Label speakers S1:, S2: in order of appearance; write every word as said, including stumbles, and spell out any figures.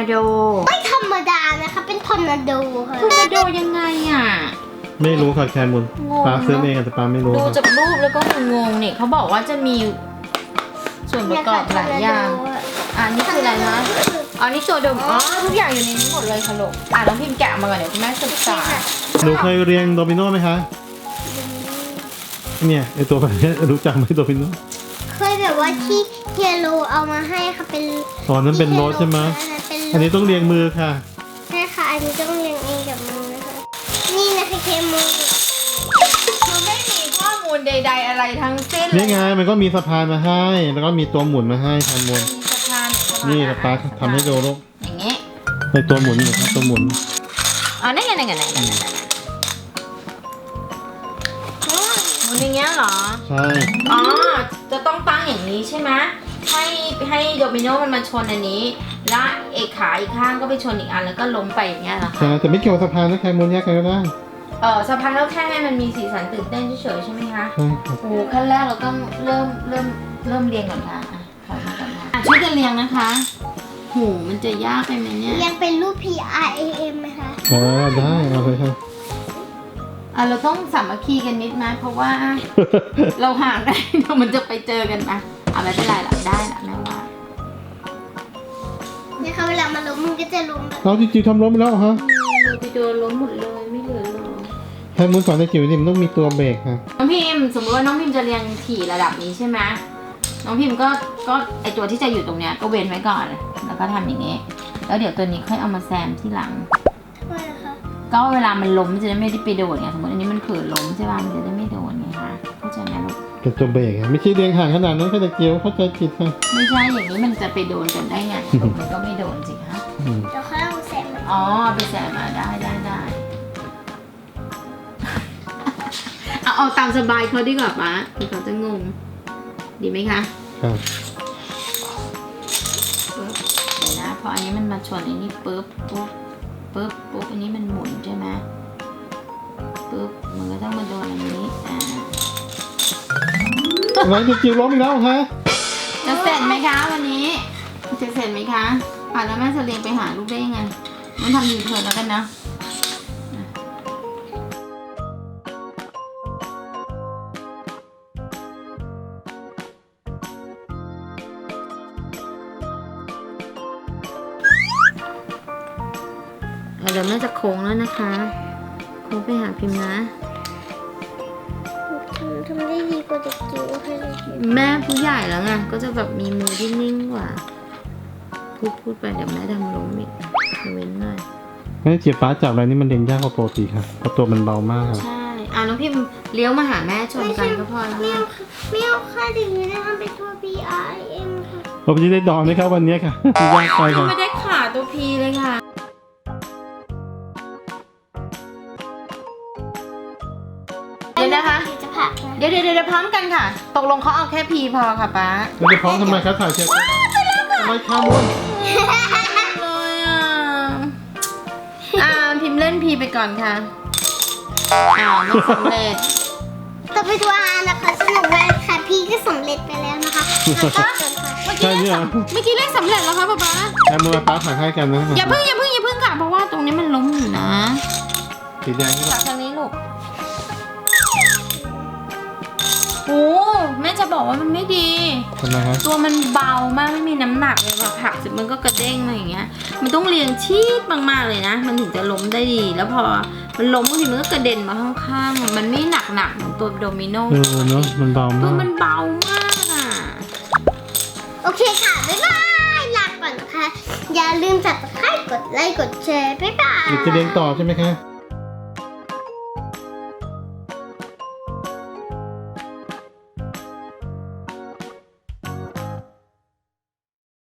S1: นาโด
S2: ไม่ธรรมดานะคะเป็นทอร์นาโดค่ะ
S1: ทอร์นาโดยังไงอ่ะ
S3: ไม่รู้ค่ะแคมุนป้าซื้อเองแต่ป้าไม่รู้
S1: ดูจากรูปแล้วก็งงๆนี่เขาบอกว่าจะมีส่วนประกอบหลายอย่างอ่านี่คืออะไรนะอ๋อนี่ตัวเดิมอ๋อทุกอย่างอยู่ในนี้หมดเลยค่ะลูกอ่ะน้องพิมพ์แกะมาก่อนเดี๋ยวคุณแม่ศึกษา
S3: หนูเคยเรียนโดมิโนไหมคะเนี่ยไอตัวแบบนี้รู้จักไหมโดมิโน
S2: เคยแบบว่าที่เฮียโรเอามาให้ค่ะเป็น
S3: ตอนนั้นเป็นโรสใช่ไหมอันนี้ต้องเรียงมือค่ะ
S2: ใช่ค่ะอันนี้ต้องเรียงเองกับมือนะคะนี่นะคะเคมือ
S1: มันไม่มีข้อมูลใดๆอะไรทั้งสิ้น
S3: นี่ไงมันก็มีสะพานมาให้แล้วก็มีตัวหมุนมาให้แคมุน
S1: สะพาน
S3: นี่ป้าทำให้ดูลูก
S1: อย่างงี้
S3: ในตัวหมุนนี่ครับตัวหมุน
S1: อ๋อนั่นไงนั่นไงนั่นไงนั่นไงหมุนอย่างเงี้ยเหรอ
S3: ใช่
S1: อ๋อจะต้องตั้งอย่างนี้ใช่ไหมให้ให้โดมิโนมันมาชนอันนี้แล้วเอกขาอีกข้างก็ไปชนอีกอันแล้วก็ล้มไปอย่างเงี้ยเหรอคะ
S3: ใช่แต่ไม่เกี่ยวกับสะพานนะแคมุนแยกกันก็ได้
S1: เออสะพานแล้วแค่ให้มันมีสีสันตื่นเต้นเฉยๆใช่ไหมคะ
S3: ใช่ครับ
S1: โอ้ขั้นแรกเราต้องเริ่มเริ่มเริ่มเรียงก่อนค่ะอ่ะขอมาก่อนค่ะอ่ะช่วยกันเรียงนะคะหูมันจะยากไปไหมเนี่ย
S2: เรียงเป็นรูป P R A M ไหมคะ
S3: อ๋อได้เอาเลยครับ
S1: อ่ะเราต้องสามัคคีกันนิดนะเพราะว่าเราห่างได้เดี๋ยวมันจะไปเจอกันนะอ่ะไม่เป็นไรหรอกได้ละแม่ว่า
S2: เนี่ยค่ะเวลามาล้มมันก็จะล้มแบบ
S3: เราจริงๆทำล้มไปแล้วฮะ
S1: เลยไปโดนล้มหมดเลยไม่เหลือเลย
S3: แคมุนสอนในจิ๋วนี่มันต้องมีตัวเบรกค่ะ
S1: น้องพิมสมมติว่าน้องพิมจะเรียงถี่ระดับนี้ใช่ไหมน้องพิมก็ก็ไอตัวที่จะอยู่ตรงเนี้ยก็เว้นไว้ก่อนแล้วก็ทำอย่างนี้แล้วเดี๋ยวตัวนี้ค่อยเอามาแซมที่หลัง
S2: ทำไมล่ะคะ
S1: ก็เวลามันล้มมันจะได้ไม่ได้ไปโดนไงสมมติอันนี้มันเผลอล้มใช่ป่ะมันจะได้ไม่โดนไงคะเข้าใจไหมลูก
S3: เป็นตัวเบรกไม่ใช่เรียงห่างขนาดนั้นแค่ตะเกียวเข้าใจผิดค่ะ
S1: ไม่ใช่อย่างนี้มันจะไปโดนกันได้ไงมันก็ไม่โดนสิคะ
S2: เดี๋ยวค่อยเอาแซม
S1: อ๋อไปแซมมาได้ได้ได้เอาเอาตามสบายเขาดีกว่าป๊าคือเขาจะงงดีไหมคะ
S3: ครับ
S1: เดี๋ยวนะพออันนี้มันมาชนอันนี้ปุ๊บปุ๊บปุ๊บปุ๊บอันนี้มันหมุนใช่ไหมปุ๊บมันก็ต้องมาโดนอันนี้อ่า
S3: อะไรจะจิ๋วล้มอีกแล้วฮะ
S1: จะเสร็จไหมคะวันนี้จะเสร็จไหมคะอ่ะแล้วแม่จะเรียนไปหาลูกได้ยังไงมันทำยูเทิร์นแล้วกันนะเดี๋ยวแม่จะโค้งแล้วนะคะโค้งไปหาพิมพ์นะ
S2: ทำได้ดีกว่าเด็กจิ๋วค่ะ
S1: แม่ผู้ใหญ่แล้วไงก็จะแบบมีมือที่นิ่งกว่าพูดพูดไปเดี๋ยวแม่ทำล้มอีกเว้นหน่อย
S3: แม่เจี๊ยบป้าจับอะไรนี่มันเรียงยากกว่าปกติค่ะเพราะตัวมันเบามาก
S1: ใช่อ่ะน้องพิมเลี้ยวมาหาแม่ชนกันก็พอแล้ว
S2: ไม่เอาไม่เอาค่ะถึงจะทำเป็นตัว P R A M ค่ะ
S3: ผมจะได้ดอนไหมครับวันนี้ค่ะยากไปค่ะ
S1: ไม่ได้ขาตัว P เลยค่ะเดี๋ยวนะคะเดี๋ยวเดี๋ยวเดี๋ยวพร้อมกันค่ะตกลงเขาเอาแค่ P พอค่ะป๊า
S3: เราจะพร้อมทำไมครับถ่ายเช็คทำไมข้ามมุน
S1: เลยอ่ะอ่าพิมพ์เล่น P ไปก่อนค่ะอ้าวไม่สำเร็จ
S2: ต่อไปตัว R นะคะสนุกมากค่ะ P ก็สำเร็จไปแล้วนะคะเมื่อกี้
S3: เ
S1: มื่อกี้เลขสำเร็จแล้วค่ะป๊าป๊า
S3: แค่มือป้าถ่ายให้กันนะ
S1: อย่าเพิ่งอย่าเพิ่งอย่าเพิ่งค่ะเพราะว่าตรงนี้มันล้มอยู่นะ
S3: สีแดงนี่
S1: จากทางนี้ลูกโอ้แม่จะบอกว่ามันไม่ดี
S3: ทำไมครับ
S1: ตัวมันเบามากไม่มีน้ำหนักเลยแบบผักเสร็จมันก็กระเด้งอะไรอย่างเงี้ยมันต้องเรียงชีดมากๆเลยนะมันถึงจะล้มได้ดีแล้วพอมันล้มบางทีมันก็กระเด็นมาข้างๆมันไม่หนักหนักเหมือนตัวโดมิโน
S3: เออเนาะมันเบามาก
S1: ตัวมันเบามากอ่ะ
S2: โอเคค่ะบ๊ายบายลาก่อนนะคะอย่าลืมจับตะไคร้กดไลค์กดแชร์บ๊ายบาย
S3: จะเรียนต่อใช่ไหมคะ